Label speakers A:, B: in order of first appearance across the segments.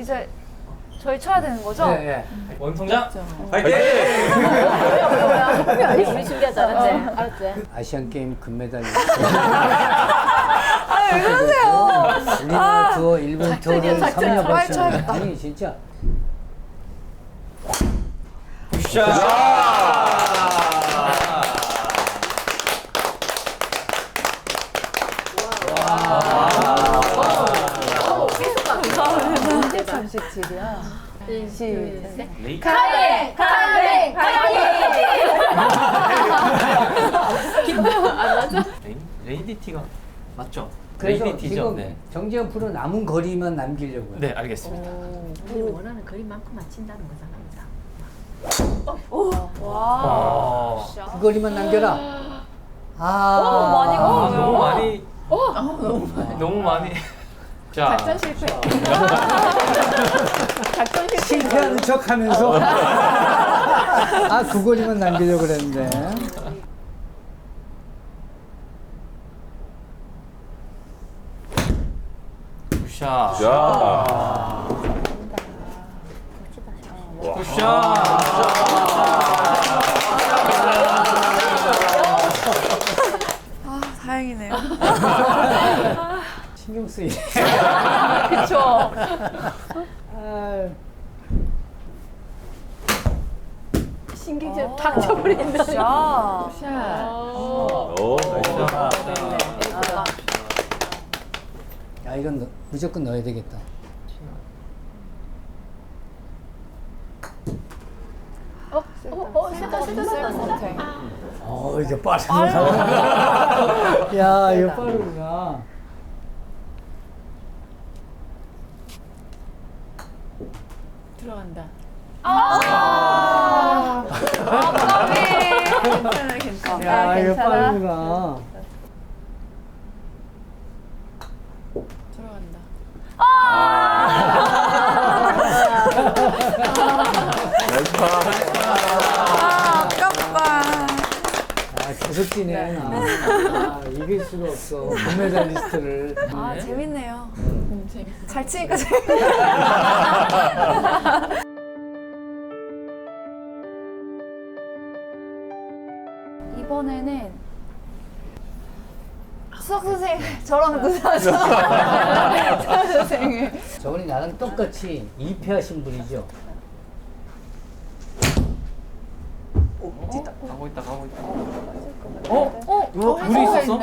A: 이제 저희 쳐야 되는 거죠?
B: 네.
C: 원통장
D: 파이팅!
E: 우리 준비하지 않았지? 알았지?
B: 아시안 게임 금메달.
A: 왜 그러세요?
B: 우리나라 투어 일본 투어를
A: 작전이야.
B: 섭렵했습니다. 아니 진짜.
C: 굿샷.
E: 언제 37이야? 시작.
A: 카레! 카레!
C: 레이디티가 맞죠?
B: 그래서
C: 레이디티죠.
B: 지금
C: 네.
B: 정재현 프로 남은 거리만 남기려고요.
C: 네, 알겠습니다.
E: 우리 원하는 거리만큼 맞힌다는 거잖아.
C: 와.
B: 그 거리만 남겨라.
A: 많이
C: 너무 많이. 너무 많이. 자.
E: 작전 실패.
B: 실패하는 척하면서 그 거리만 남기려고 그랬는데.
C: 굿샷.
D: 자.
A: 다행이네요.
B: 신경 쓰이네.
A: 그쵸.
E: 신경질 탁 쳐버리는데.
A: 샷.
E: 샷.
D: 오, 나이스.
B: 야 이건 무조건 넣어야 되겠다. 이게 빠르구나. 야 이거 빠르구나.
E: 들어간다.
A: 괜찮아.
B: 야 이거 빠르구나.
E: 들어간다.
D: 나이스 파.
A: 아깝다.
B: 계속 뛰네. 이길 수가 없어. 금메달리스트를.
A: 재밌네요.
E: 재밌어.
A: 잘 치니까 재밌네. 이번에는 수학 선생님 저랑 누나죠. 수학 선생님.
B: 저번에 나랑 똑같이 2패하신 분이죠.
C: 가고 있다.
E: 물이 있었어?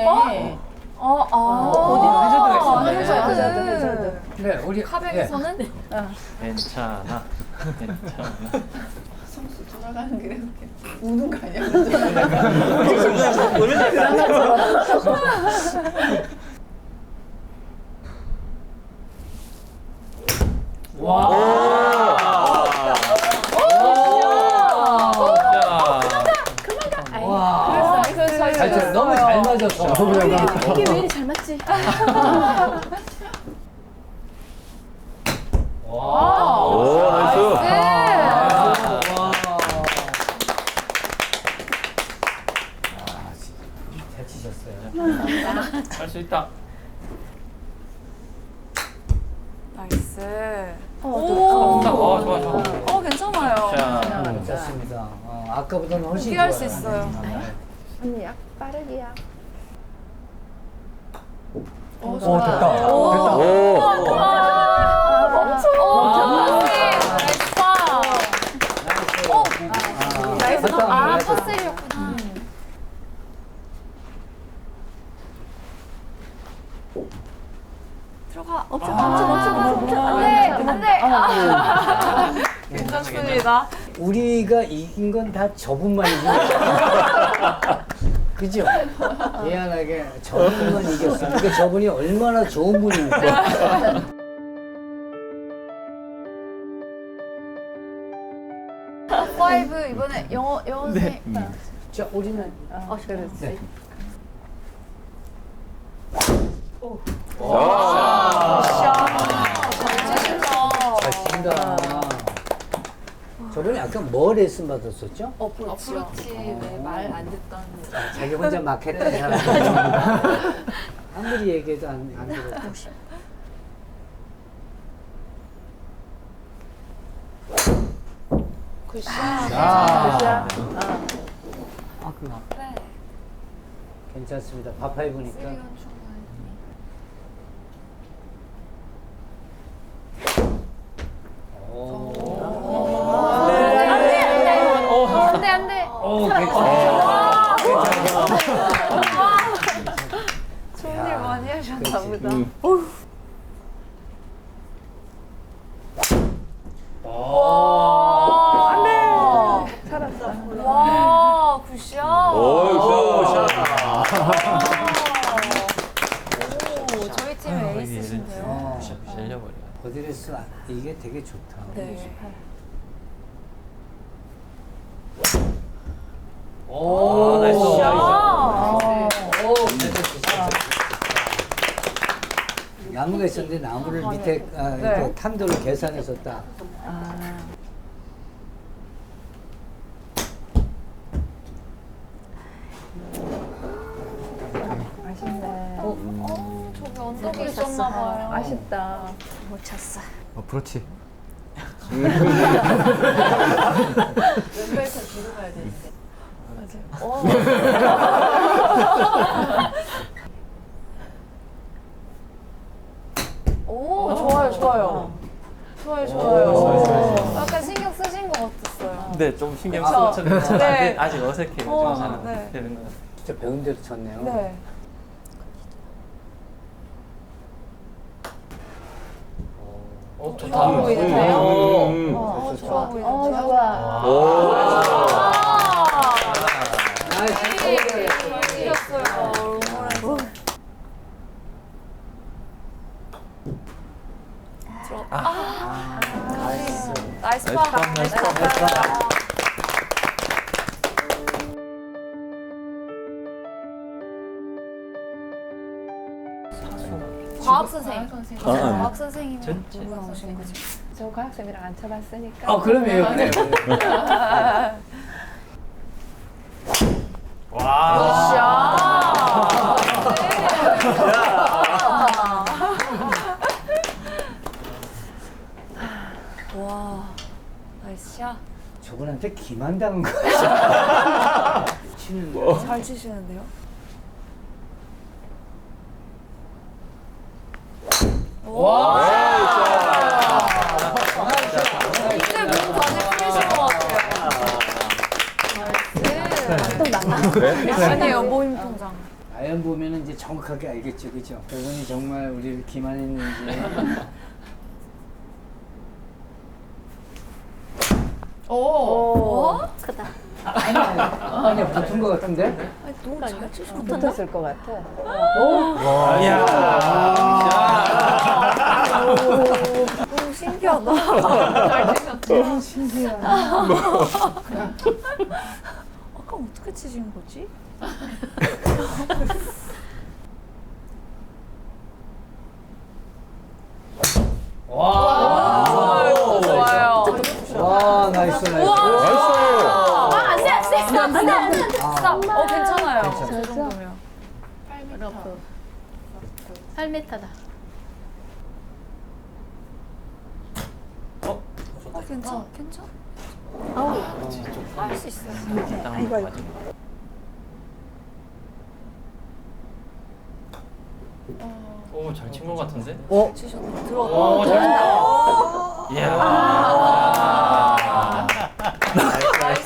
A: 어디로
E: 해저드.
B: 네, 우리
A: 카백에서는
C: 괜찮아.
E: 성수 돌아가는 길에 우는 거 아니야?
B: 와, 너무 잘 맞았어.
E: 이게 왜 이리 잘 맞지?
D: 오, 나이스.
B: 잘 치셨어요.
C: 할 수 있다.
A: 나이스.
C: 좋아.
A: 괜찮아요.
C: 자.
B: 좋습니다. 아까보다는 훨씬
A: 포기할
B: 좋아요.
A: 수 있어요.
E: 언니 약 빠르기야.
B: 됐다.
D: 오.
A: 나이스.
B: 됐다.
A: 파스리였구나. 들어가. 안 돼. 괜찮습니다.
B: 우리가 이긴 건 다 저분만이지. 그죠? 미안하게 저분만 이겼어. 그러니까 저분이 얼마나 좋은 분입니까?
A: 파이브 이번에 영어 선생님.
B: 자, 우리는
E: 그렇지.
B: 네. 잘 친다. 저번에 아까 뭐 레슨 받았었죠?
A: 어프로치.
E: 말 안 듣던.
B: 자기 혼자 막 했던 사람. 아무리 얘기해도 안 들었고.
A: 굿샷.
B: 아,
A: 네.
B: 괜찮습니다. 파5니까.
A: 쓰리건 충분히. 안돼 안돼.
B: 오, 괜찮아.
A: 좋은 일 많이 하셨나 보다. 안돼.
E: 살았어.
A: 와 굿샷.
D: 오, 샷.
A: 오, 저희 팀의 에이스신데요.
C: 실려버려.
B: 버디레스 이게 되게 좋다.
A: 네.
B: 오,
C: 나이스.
B: 나무가 있었는데 나무를 밑에 이렇게 탄도를 계산해서 딱.
E: 아쉽네.
A: 저기 언덕에 있었나 봐요.
E: 아쉽다.
A: 못 쳤어.
D: 그렇지.
E: 왼발에서 뒤로 가야 되는데.
A: 오, 좋아요, 좋아요. 좋아요, 좋아요. 약간 신경 쓰신 것 같았어요.
C: 네, 좀 신경
A: 그쵸?
C: 쓰고
A: 네.
C: 아직 어색해요.
A: 어,
C: 좀
A: 네.
C: 잘 되는 것 같아요.
B: 진짜 배운 대로 쳤네요.
A: 네. 좋아 보이는데요? 좋아 보이는데요?
E: 좋아.
D: 오.
A: 이겼어요. 나이스 파. 나이스 파. 과학 선생님. 과학 선생님은
C: 전체.
A: 누구 나오신 거죠?
E: 저 과학쌤이랑 안 쳐봤으니까.
B: 그러면 네.
C: 와.
A: 와, 나이스 샷.
B: 저분한테 기만당한 거야. 치는 거.
A: 잘 치시는데요? 이제 몸 많이 풀리신 것 같아요. 나이스.
E: 또 나가?
A: 아니에요, 모임 통장.
B: 아연 보면은 이제 정확하게 알겠죠, 그죠? 저분이 정말 우리를 기만했는지.
A: 오. 크다.
B: 아니야, 붙은 거 같은데?
A: 너무 잘 치셨는데?
E: 붙었을 것 같아.
C: 이야.
A: 너무 신기하다. 잘 치셨죠?
E: 너무 신기하다.
A: 아까 어떻게 치신 거지? 좋아요.
B: 와, 나이스, 나이스.
A: 스탑. 괜찮아요. 저 정도면.
E: 8m다.
A: 괜찮아. 할 수 있어요.
E: 아이고, 아이고.
C: 오, 잘 친 것 같은데?
A: 치셨네.
C: 오,
A: 들어왔다.
C: 잘. 이야.
A: 나이스.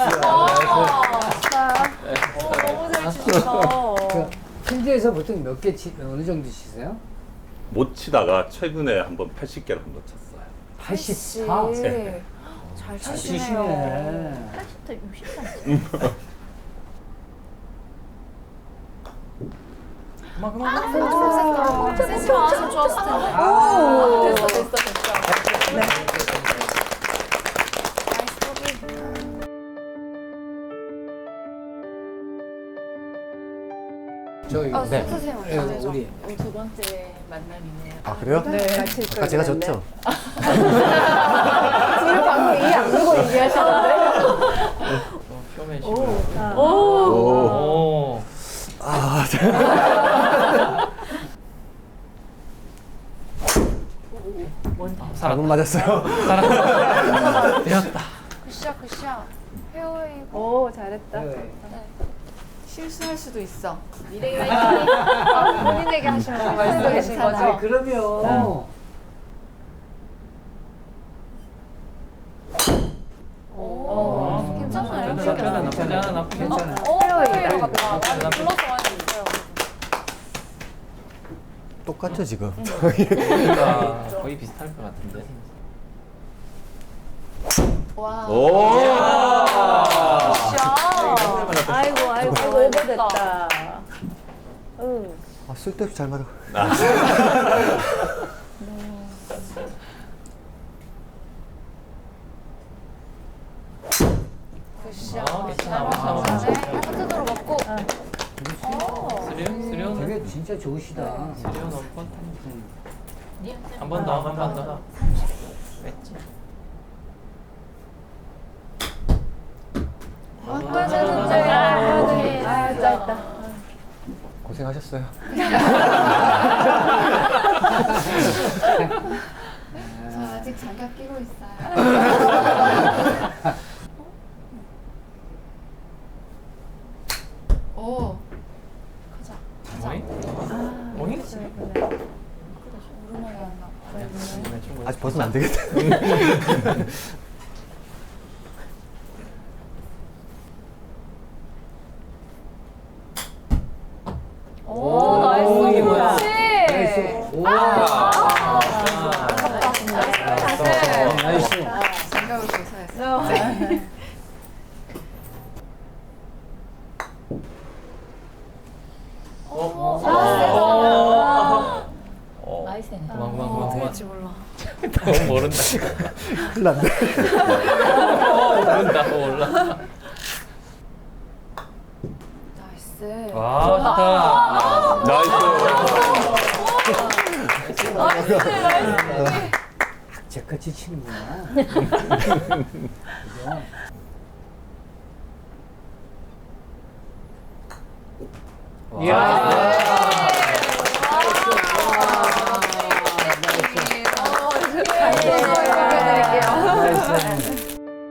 A: 너무 잘 치셨어.
B: 필드에서 보통 몇 개 어느 정도 치세요?
D: 못 치다가 최근에 한번 80개를 한번 쳤어요.
B: 84?
A: 네. 잘
B: 잘
A: 치시네요.
B: 치시네.
E: 80도 60도.
A: 센스 많아서 좋았을 텐데. 됐어. 네. 나이스 보기.
B: 저희
A: 네. 선생님
B: 예,
A: 어떠세요?
B: 우리
E: 두 번째 만남이네요.
F: 아 그래요?
E: 네. 칠
F: 아까 제가 졌죠?
E: 둘 방금 이해 안 되고 얘기하셨는데.
C: 표면 시고.
D: 오.
C: 오.
F: 아,
C: 살았다.
F: 잘못 맞았어요.
C: 살았다. 되었다.
A: 굿샷.
E: 잘했다.
B: 네.
E: 실수할 수도 있어.
A: 미래의 화이팅. 본인에게 하시는 말씀이신
B: 아니,
A: 거죠?
B: 그러면
A: 오, 괜찮아요.
C: 나쁘지 않아, 나쁘지 않아, 나쁘지 않아.
B: 괜찮아요.
A: 플로이다. 많이 불러서 많이 있어요.
F: 똑같죠 지금.
C: 그러니까 거의 비슷할 것 같은데.
A: 와.
D: 오.
E: 아이고 아이고 오버됐다. 응.
F: 아, 쓸데없이 잘 맞아.
A: 굿샷.
C: 괜찮아,
A: 네, 하트도로 먹고.
C: 수련?
B: 되게 진짜 좋으시다.
C: 수련 올것 한번 더, 한 번 더. 뺐지.
A: 바꿔야 되는데.
E: 아 짧다.
F: 고생하셨어요.
A: 저 아직 장갑 끼고 있어요. 오. 가자.
C: 오잉? 오잉?
A: 오르막이 안 나.
F: 아직 벗으면 안 되겠다.
A: 오, 나이스.
B: 이게 뭐야?
A: 그렇지.
B: 나이스. 와. 나이스.
A: 장갑을 벗어야지.
E: 나이스네.
C: 그만.
A: 될지 몰라.
C: 너무 모른다.
F: 큰일 났네.
C: 모른다, 몰라.
A: 나이스.
C: 와,
D: 나이스.
B: 제같이 치는구나.
C: 좋다.
B: 이야. 나이스.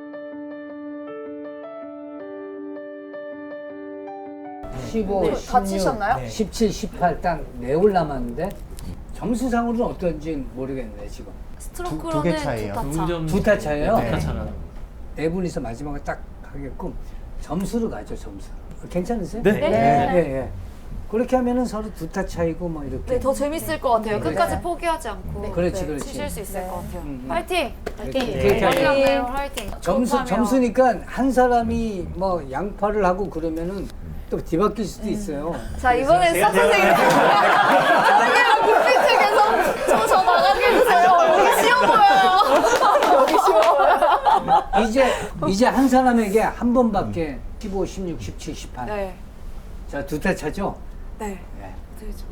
B: 15,
A: 네,
B: 16,
A: 다치셨나요?
B: 17, 18 딱 4홀 남았는데 점수상으로는 어떤지 모르겠네 지금.
A: 스트로크로는
F: 두개 차이예요.
B: 두 타 차예요?
C: 두타 차가.
B: 네 분이서 마지막에 딱 하게끔 점수로 가죠 점수. 괜찮으세요?
F: 네.
B: 예, 예. 그렇게 하면은 서로 두 타 차이고 뭐 이렇게.
A: 네, 더 재밌을 것 같아요. 끝까지 포기하지 않고.
B: 그렇지,
A: 네,
B: 그렇지.
A: 치실 수 있을 것 같아요.
B: 음.
A: 파이팅!
B: 그렇게
A: 머리
B: 하죠.
A: 네. 화이팅!
B: 점수니까 한 사람이 뭐 양파를 하고 그러면은 또 뒤바뀔 수도 있어요.
A: 자, 이번엔 싹 선생님. 저희랑 빅피트 계속 저 나가게 해주세요. 여기 쉬워 보여요. 여기 쉬워 보여요.
B: 이제 한 사람에게 한 번밖에 15, 16, 17, 18.
A: 네.
B: 자, 두 타 차죠?
A: 네.
B: 네.
A: 될지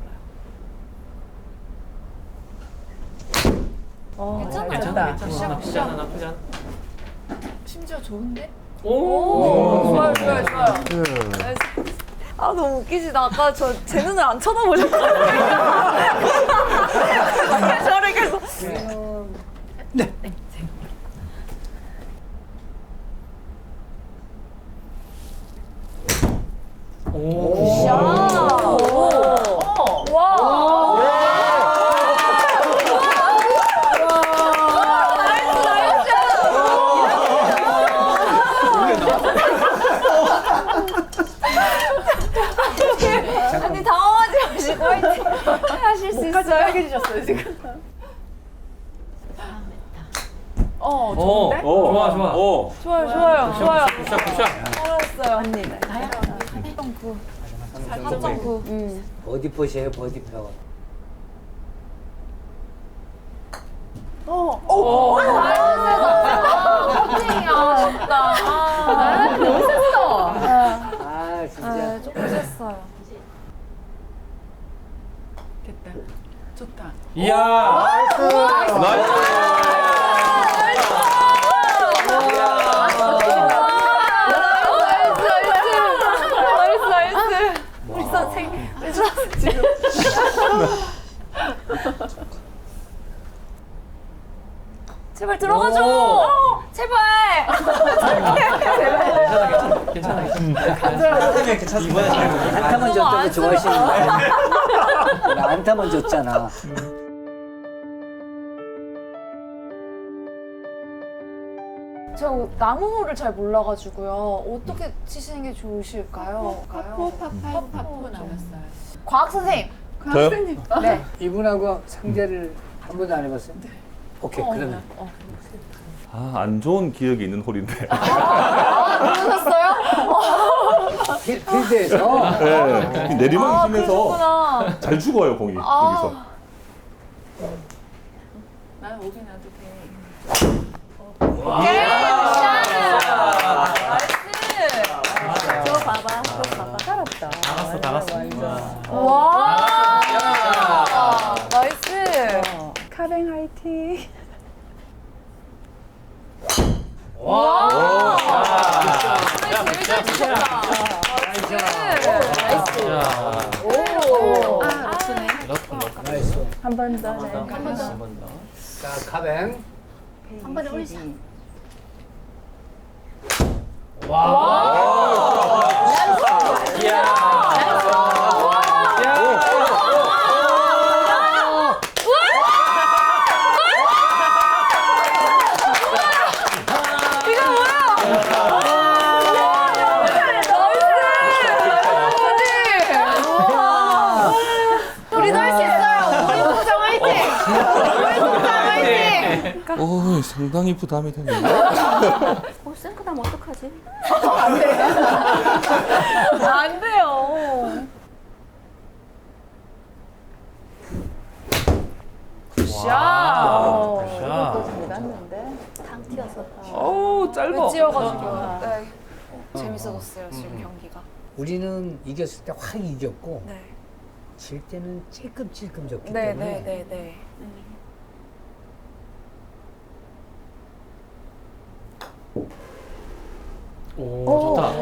A: 몰라요.
C: 괜찮아, 나쁘지 않아, 나쁘지 않아.
E: 심지어 좋은데?
A: 오, 좋아요, 좋아요, 좋아요.
F: 네.
A: 아, 너무 웃기지. 나 아까 제 눈을 안 쳐다보셨거든요. 저를 계속.
B: 네.
C: 오.
A: 와. 아니 당황하지 마시고 화이팅 하실 수 있어요.
E: 빨개지셨어요 지금.
C: 오,
E: 좋은데?
C: 좋아, 좋아.
D: 오.
A: 좋아요, 좋아요, 좋아요.
C: 굿샷.
A: 잘했어요.
E: 언니.
A: 3.9.
B: 버디 포시에요, 버디 표.
A: 아쉽다.
E: 너무 셌어.
B: 아, 진짜.
A: 조금 셌어요.
E: 됐다. 좋다.
C: 이야.
A: 나이스. 우리 선생님. 지금. 제발 들어가줘. 제발.
C: 괜찮아.
B: 안타만 줬다고 좋아하시는 거야. 나 안타만 줬잖아.
A: 저 나무호를 잘 몰라가지고요. 어떻게 치시는 게 좋으실까요?
E: 파포 나왔어요.
A: 과학 선생님.
D: 저요?
A: 네.
B: 이분하고 상대를 한 번도 안 해봤어요? 오케이, 그러면.
D: 아, 안 좋은 기억이 있는 홀인데.
A: 모르셨어요?
B: 필드에서.
D: 네, 내리막이 심해서
A: 그러셨구나.
D: 잘 죽어요, 공이. 여기서.
E: 난 오긴 나도 돼.
A: 오케이. 나이스.
E: 저 봐봐. 살았다.
C: 다 갔어.
A: 와. 나이스.
E: 카뱅 화이팅.
A: 와. 제일 잘 치셨다. 나이스. 오.
E: 아, 러프네.
B: 나이스.
E: 한 번 더. 네.
C: 한번 더.
B: 자, 카뱅.
A: 한 번에 올리자. 우리도 할 수 있어요. 우리 동장 화이팅! 우리 동장 화이팅!
D: 오, 상당히 부담이 되네요.
A: 생크다면 어떡하지? 안 돼요. 굿샷! 당 튀어서.
C: 오, 짧아.
A: 찌어가지고. 네. 재밌어졌어요, 지금 경기가.
B: 우리는 이겼을 때 확 이겼고,
A: 네.
B: 질 때는 찔끔찔끔 졌기
A: 네,
B: 때문에.
A: 네, 네, 네.
C: 오, 좋다.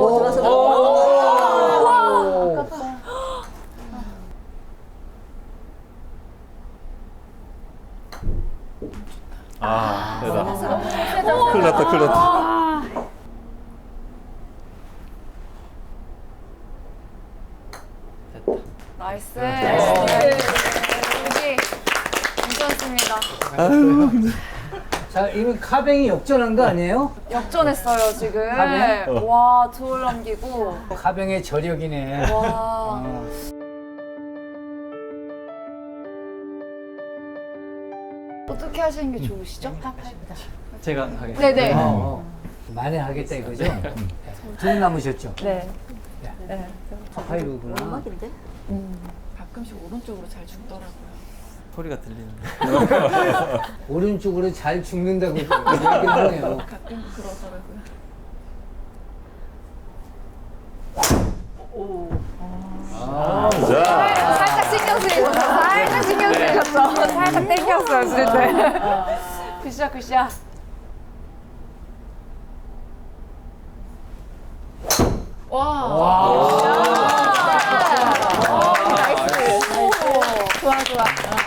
D: 아, 대다. 큰일 났다, 큰일 났다.
C: 됐다.
A: 나이스. 여기 괜찮습니다.
B: 자, 이건 카뱅이 역전한 거 아니에요?
A: 역전했어요 지금.
B: 가네?
A: 와, 두 홀 남기고.
B: 카뱅의 저력이네.
A: 와. 어떻게 하시는 게 좋으시죠?
C: 제가 하겠습니다.
A: 네네.
B: 만회하겠다 이거죠? 둘 남으셨죠?
E: 네.
B: 파이브구나.
E: 가끔씩 오른쪽으로 잘 죽더라고요.
C: 소리가 들리는데.
B: 오른쪽으로 잘 죽는다고 얘기를 하네요.
E: 가끔 그러더라고요.
D: 자,
A: 살짝 신경 쓰이셨어. 살짝 신경 쓰이셨어. 살짝 땡겼어요, 진짜. 굿샷, 굿샷. 나이스. 좋아, 좋아.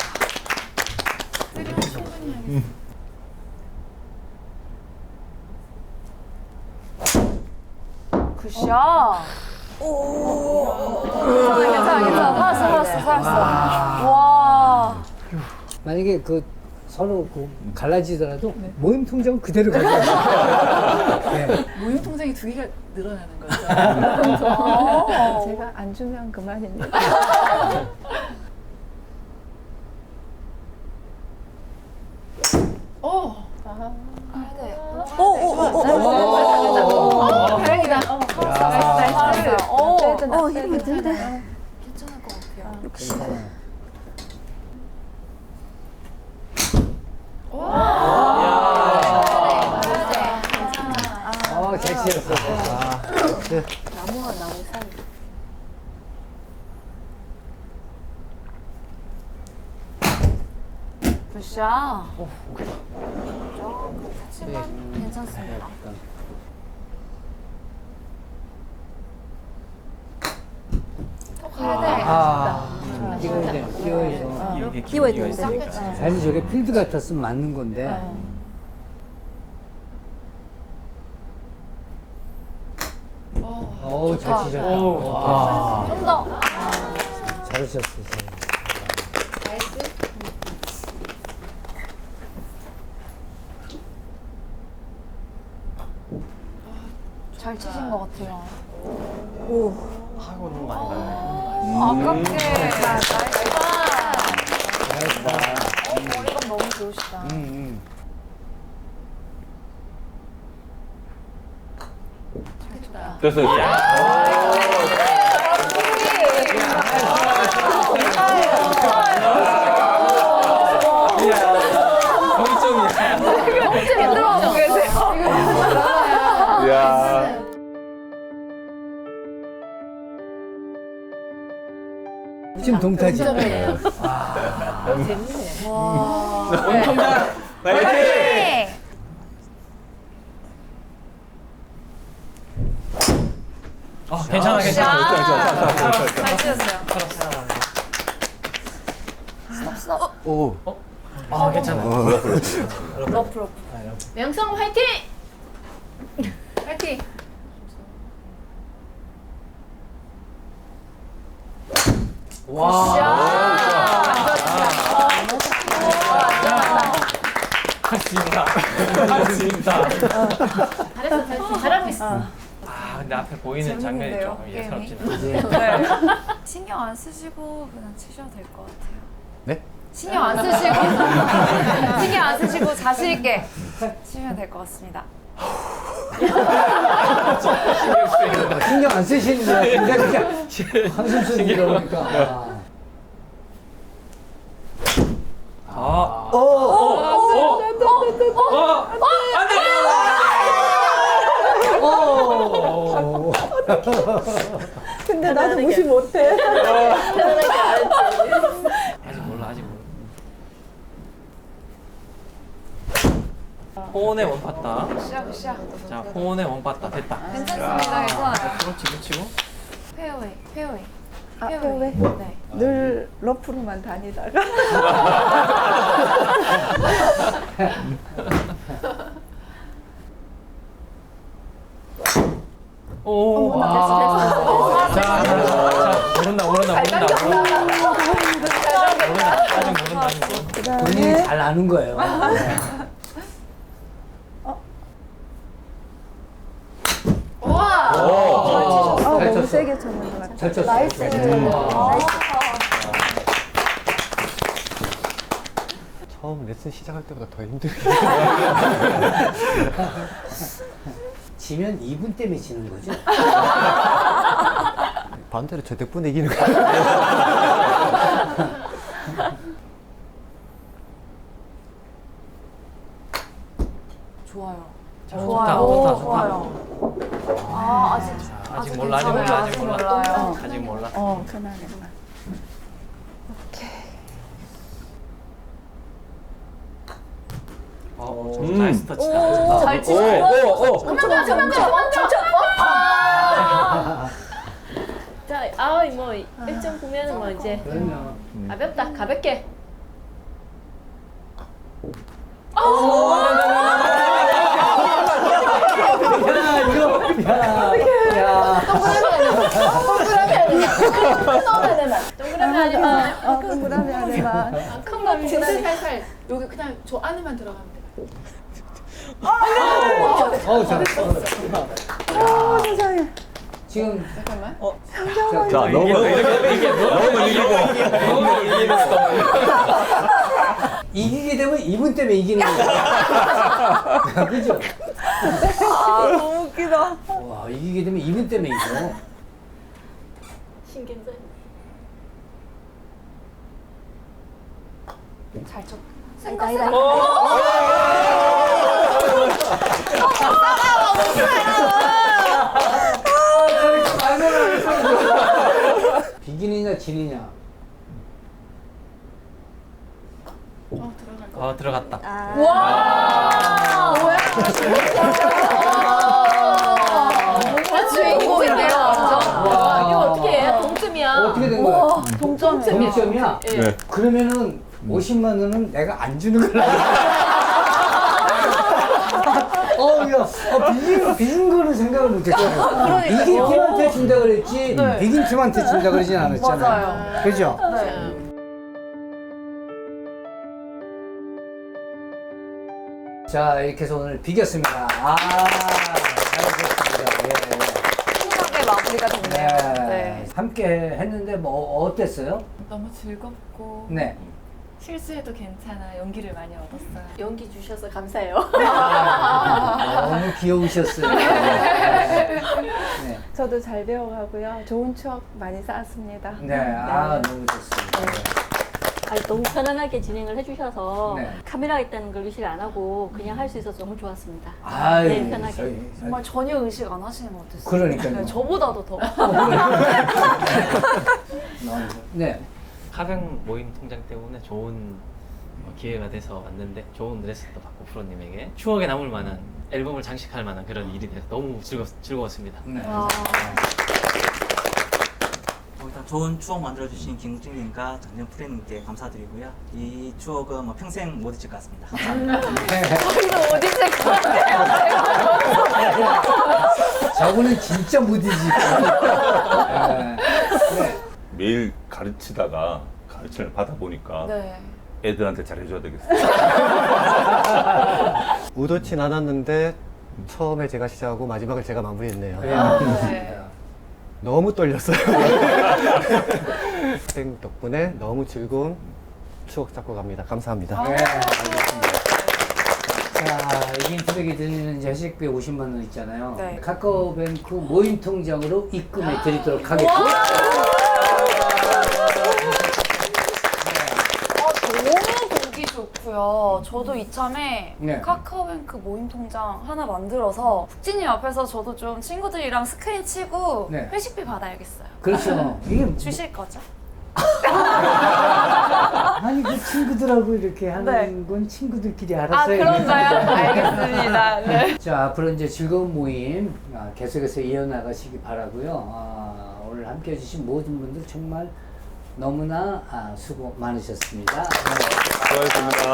A: 굿샷. 괜찮아. 살았어. 와.
B: 만약에 그 서로 그 갈라지더라도 모임 통장은 그대로 가져가요. 네.
E: 모임 통장이 두 개가 늘어나는 거죠. 제가 안 주면 그만입니다. 오. 다행이다.
A: 잘했어요.
E: 힘이 든다.
A: 괜찮을 것 같아요.
B: 잘 치셨어.
A: 나무와 나무 사이. 굿샷. 하지만 괜찮습니다. 더 가야 돼.
B: 끼워야 돼. 끼워서.
C: 이게 기회가 있으니까.
B: 사실 저게 필드 같았으면 맞는 건데. 잘 치셨다.
C: 오.
B: 와.
A: 좀 더.
B: 잘하셨어요.
A: 잘 치신 것 같아요.
C: 하고 너무 많이 가네.
A: 아깝게. 나이스.
B: 잘했다.
A: 머리감 너무 좋으시다.
D: 됐어요.
C: 동점이야.
A: 들어가고 계세요.
D: 이야.
B: 지금 동타지.
C: 원통장 화이팅!
A: 네.
C: 괜찮아 괜찮아.
A: 잘 치셨어요.
F: 오.
C: 괜찮아.
A: 러프. 명성 화이팅! 화이팅!
C: 할 수 있다. 할 수 있다.
A: 잘했어. 잘하고 있어.
C: 근데 앞에 보이는 장면이
A: 재밌는데요,
C: 좀 예사롭지
A: 게임이?
C: 않아.
A: 네. 신경 안 쓰시고 그냥 치셔도 될 것 같아요.
F: 네?
A: 신경 안 쓰시고 신경 안 쓰시고 자신 있게 치면 될 것 같습니다.
B: 신경 안 쓰시는데 근데 그냥 한숨 쉬는 그러니까.
E: 근데 나도 무시 못해.
C: 아직 몰라 아직 몰라. 호온의 원팟다.
A: 시작.
C: 자 호온의 원팟다 됐다.
A: 괜찮습니다. 괜찮아요.
C: 그렇지 치고.
A: 페어웨이.
E: 아, 왜?
A: 네.
E: 늘 러프로만 다니다가.
C: 오.
A: 됐어.
C: 자 모른다. 아직 모른다.
B: 본인이 잘 아는 거예요.
A: 와.
E: 너무
B: 쳤어.
E: 세게 쳤는 것 같아.
B: 잘 쳤어.
A: 나이스.
F: 처음 레슨 시작할 때보다 더 힘들게.
B: 지면 2분 때문에 지는 거죠?
F: 반대로 저 덕분에 이기는 거 같아.
A: 좋아요.
C: 좋다.
A: 아,
C: 아직 몰라.
A: 아직 몰라요.
C: 아직 몰라.
E: 편하게.
C: 나이스 터치다.
A: 잘 치시고.
G: 자, 뭐 1점 보면은 뭐 이제
B: 그러면
G: 가볍다, 가볍게. 동그라미 아니면
E: 동그라미 안에만.
G: 큰거
E: 진짜
G: 살살.
E: 여기 그냥 저 안에만 들어가면 돼.
B: 잘했어.
E: 세상에.
B: 지금
E: 잠깐만.
D: 자, 넣으면
B: 이기게 되면 2분 때문에 이기는 거야. 그죠?
E: 너무 웃기다.
B: 와, 이기게 되면 2분 때문에 이겨.
G: 신경전.
A: 잘 쳐.
B: 비기느냐 지느냐.
C: 들어갔다.
A: 와. 뭐야? 주인공인데요, 완전.
G: 와, 이거 어떻게 해? 동점이야.
B: 어떻게 된 거야?
G: 동점이야.
B: 0점이야?
G: 예.
B: 그러면은 50만 원은 내가 안 주는 거야. 우리가 비긴 거는 생각을 못했잖아요. 이긴 팀한테 준다 그랬지 비긴 팀한테 준다 그러진 않았잖아요.
E: 맞아요.
B: 그죠?
E: 네.
B: 자, 이렇게 해서 오늘 비겼습니다. 잘하셨습니다.
A: 훈훈하게 마무리가 됐네요. 네.
B: 함께 했는데 뭐 어땠어요?
E: 너무 즐겁고
B: 네.
E: 실수해도 괜찮아. 용기를 많이 얻었어요.
G: 용기 주셔서 감사해요.
B: 너무 귀여우셨어요. 네.
E: 저도 잘 배워가고요. 좋은 추억 많이 쌓았습니다.
B: 네, 너무 좋습니다.
G: 너무 편안하게 진행을 해주셔서
B: 네.
G: 카메라 있다는 걸 의식 안 하고 그냥 할 수 있어서 너무 좋았습니다.
B: 아유,
G: 네, 편하게.
A: 정말 전혀 의식 안 하시는 것 같았어요.
B: 그러니까요.
A: 네, 저보다도 더.
B: 네.
C: 카뱅 모임 통장 때문에 좋은 기회가 돼서 왔는데 좋은 레슨도 받고 프로님에게 추억에 남을 만한 앨범을 장식할 만한 그런 일이 돼서 너무 즐거웠습니다.
B: 네.
H: 일단 좋은 추억 만들어주신 김국진님과 전현 프로님께 감사드리고요. 이 추억은 뭐 평생 못 잊을 것 같습니다. 감사합니다.
A: 저희도 어디 있을 것 같아요.
B: 저분은 진짜 못 잊을 거예요. 네.
D: 매일 가르치다가 가르침을 받아보니까
A: 네.
D: 애들한테 잘해줘야 되겠어요.
F: 의도치 않았는데 처음에 제가 시작하고 마지막을 제가 마무리했네요.
A: 네.
F: 너무 떨렸어요. 생 덕분에 너무 즐거운 추억 쌓고 갑니다. 감사합니다.
B: 네, 알겠습니다. 자, 이긴 트랙이 드리는 이제 회식비 50만 원 있잖아요.
A: 네.
B: 카카오뱅크 모임 통장으로 입금해 드리도록 하겠습니다.
A: 너무 보기 좋고요. 저도 이참에
B: 네.
A: 카카오뱅크 모임 통장 하나 만들어서 국진님 앞에서 저도 좀 친구들이랑 스크린 치고
B: 네.
A: 회식비 받아야겠어요.
B: 그렇죠. 이게
A: 주실 거죠?
B: 아니 그 친구들하고 이렇게 하는
A: 네.
B: 건 친구들끼리 알아서
A: 아, 그런가요? 알겠습니다. 네.
B: 자, 앞으로 이제 즐거운 모임 계속해서 이어나가시기 바라고요. 오늘 함께 해주신 모든 분들 정말 너무나 수고 많으셨습니다.
D: 수고하셨습니다.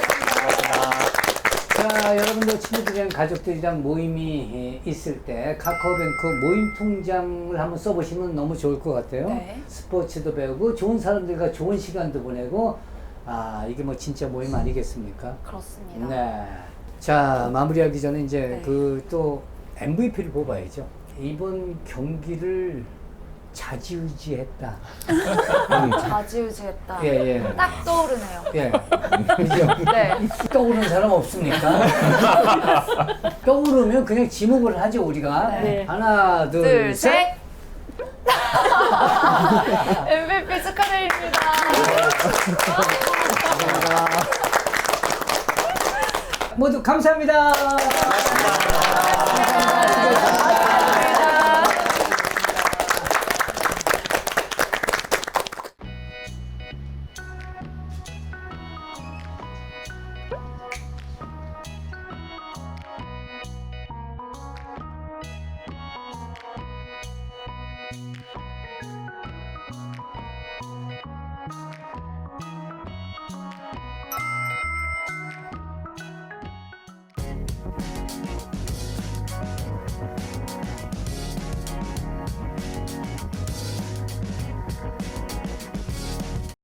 B: 자, 여러분들 친구들이랑 가족들이랑 모임이 있을 때 카카오뱅크 모임 통장을 한번 써보시면 너무 좋을 것 같아요.
A: 네.
B: 스포츠도 배우고 좋은 사람들과 좋은 시간도 보내고 이게 뭐 진짜 모임 아니겠습니까?
A: 그렇습니다.
B: 네. 자, 마무리하기 전에 이제
A: 네.
B: 그 또 MVP를 뽑아야죠. 이번 경기를 좌지우지했다.
A: 좌지우지했다.
B: 예, 예.
A: 딱 떠오르네요.
B: 예. 그죠?
A: 네.
B: 떠오르는 사람 없습니까? 떠오르면 그냥 지목을 하죠, 우리가.
G: 네.
B: 하나, 둘,
A: 둘,
B: 셋.
A: 셋. MVP 축하드립니다.
B: 모두 감사합니다.